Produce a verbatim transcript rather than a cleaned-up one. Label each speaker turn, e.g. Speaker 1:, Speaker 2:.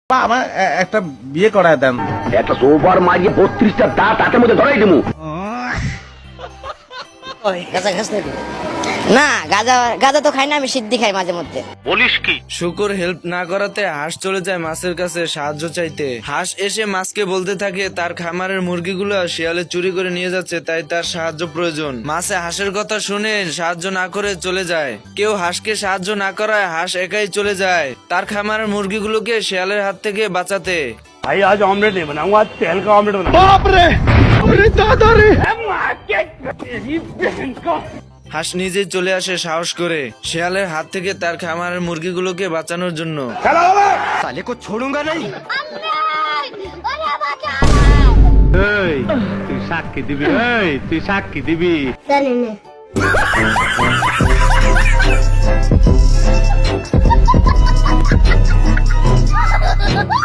Speaker 1: আমার এ- একটা বিয়ে করায় দেন।
Speaker 2: একটা সোফার মারিয়ে বত্রিশটা দাঁত হাতের মধ্যে ধরাই দেবো।
Speaker 3: গাঁজা খাস নাকি? না, গাঁজা গাঁজা তো খাই না, আমি সিদ্ধি খাই মাঝে মধ্যে।
Speaker 4: শুকর হেল্প না করাতে হাঁস চলে যায় মাছের কাছে সাহায্য চাইতে। হাঁস এসে মাছকে বলতে থাকে তার খামারের মুরগিগুলো শিয়ালে চুরি করে নিয়ে যাচ্ছে, তাই তার সাহায্য প্রয়োজন। মাছে হাঁসের কথা শুনে সাহায্য না করে চলে যায়। কেউ হাঁসকে সাহায্য না করায় হাঁস একাই চলে যায় তার খামারের মুরগিগুলোকে শিয়ালের হাত থেকে বাঁচাতে।
Speaker 2: ভাই আজ অমলেট नहीं बनाऊंगा, आज तेल का ऑमलेट बनाऊंगा।
Speaker 4: হাঁস নিজেই চলে আসে সাহস করে শিয়ালের হাত থেকে তার খামারের মুরগিগুলোকে বাঁচানোর জন্য।
Speaker 2: साले को छोड़ूंगा नहीं। তুই সাক্ষী দিবি, তুই সাক্ষী দিবি।
Speaker 5: জানি না